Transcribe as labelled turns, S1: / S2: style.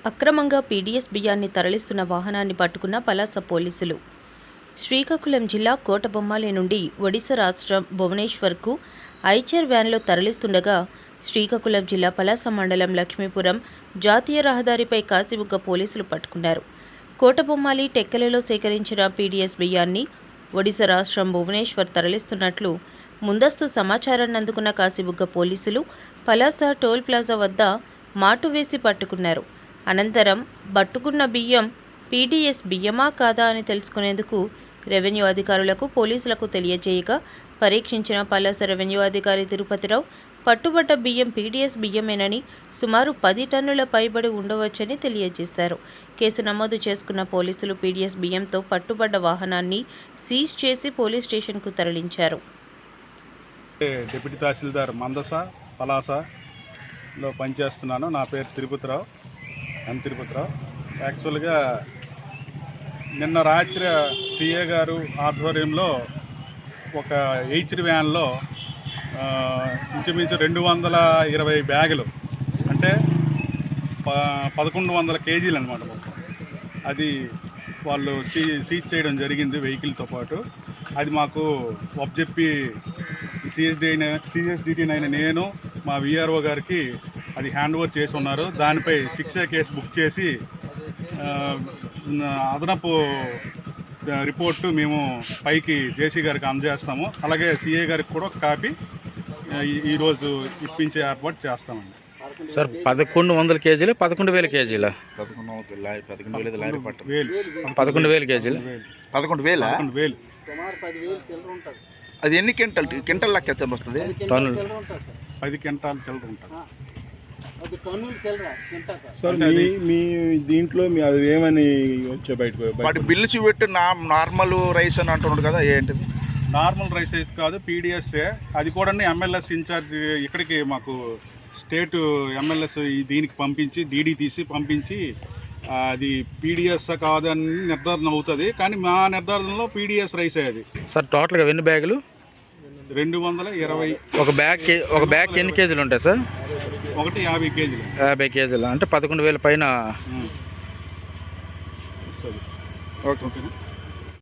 S1: అక్రమంగా పీడీఎస్ బియ్యాన్ని తరలిస్తున్న వాహనాన్ని పట్టుకున్న పలాస పోలీసులు. శ్రీకాకుళం జిల్లా కోటబొమ్మాలి నుండి ఒడిశా రాష్ట్రం భువనేశ్వర్కు ఐచర్ వ్యాన్లో తరలిస్తుండగా శ్రీకాకుళం జిల్లా పలాస మండలం లక్ష్మీపురం జాతీయ రహదారిపై కాశీబుగ్గ పోలీసులు పట్టుకున్నారు. కోటబొమ్మాలి టెక్కలలో సేకరించిన పీడీఎస్ బియ్యాన్ని ఒడిశా రాష్ట్రం భువనేశ్వర్ తరలిస్తున్నట్లు ముందస్తు సమాచారాన్ని అందుకున్న కాశీబుగ్గ పోలీసులు పలాస టోల్ ప్లాజా వద్ద మాటు వేసి పట్టుకున్నారు. అనంతరం పట్టుకున్న బియ్యం పీడీఎస్ బియ్యమా కాదా అని తెలుసుకునేందుకు రెవెన్యూ అధికారులకు పోలీసులకు తెలియజేయగా పరీక్షించిన పలాస రెవెన్యూ అధికారి తిరుపతిరావు పట్టుబడ్డ బియ్యం పీడీఎస్ బియ్యమేనని, సుమారు 10 టన్నుల పైబడి ఉండవచ్చని తెలియజేశారు. కేసు నమోదు చేసుకున్న పోలీసులు పీడీఎస్ బియ్యంతో పట్టుబడ్డ వాహనాన్ని సీజ్ చేసి పోలీస్ స్టేషన్కు తరలించారు.
S2: డిప్యూటీ తహసీల్దార్ మందస పలాసలో పనిచేస్తున్నాను. నా పేరు తిరుపతిరావు. యాక్చువల్గా నిన్న రాత్రి సిఏ గారు ఆధ్వర్యంలో ఒక హెచ్ఆర్ వ్యాన్లో ఇంచుమించు 220 బ్యాగులు, అంటే 1100 కేజీలు అనమాట మొత్తం. అది వాళ్ళు సీజ్ చేయడం జరిగింది వెహికల్తో పాటు. అది మాకు ఒప్పజెప్పి సిఎస్డిటీ అయిన నేను మా విఆర్ఓ గారికి అది హ్యాండ్ ఓవర్ చేసి ఉన్నారు. దానిపై 6A కేసు బుక్ చేసి అదనపు రిపోర్టు మేము పైకి జేసీ గారికి అందజేస్తాము. అలాగే సిఏ గారికి కూడా ఒక కాపీ ఈరోజు ఇప్పించే ఏర్పాటు చేస్తామండి.
S3: సార్ 1100 కేజీలు 11,000 కేజీల 11,000 కేజీలు
S2: 11,000
S4: అది ఎన్ని క్వింటల్ లెక్క ఎంత వస్తుంది?
S2: 10 క్వింటాలు చిల్లర ఉంటుంది.
S5: సార్ మీ దీంట్లో అది ఏమని వచ్చే బయటకు
S4: వాటి బిల్లు చూపెట్టి నార్మల్ రైస్ అని అంటున్నాడు కదా, ఏంటిది?
S2: నార్మల్ రైస్ అయితే కాదు, పీడిఎస్ఏ. అది కూడా ఎంఎల్ఎస్ ఇన్ఛార్జ్ ఇక్కడికి మాకు స్టేట్ ఎంఎల్ఎస్ దీనికి పంపించి డీడీ తీసి పంపించి అది పీడిఎస్ కాదని నిర్ధారణ అవుతుంది. కానీ మా నిర్ధారణలో పీడిఎస్ రైస్ అది.
S3: సార్ టోటల్గా ఎన్ని బ్యాగులు?
S2: 220.
S3: ఒక బ్యాగ్ ఎన్ని కేజీలు ఉంటాయి సార్?
S2: ఒకటి 50 కేజీలు.
S3: 50 కేజీలు అంటే 11,000 పైన.
S2: ఓకేనా?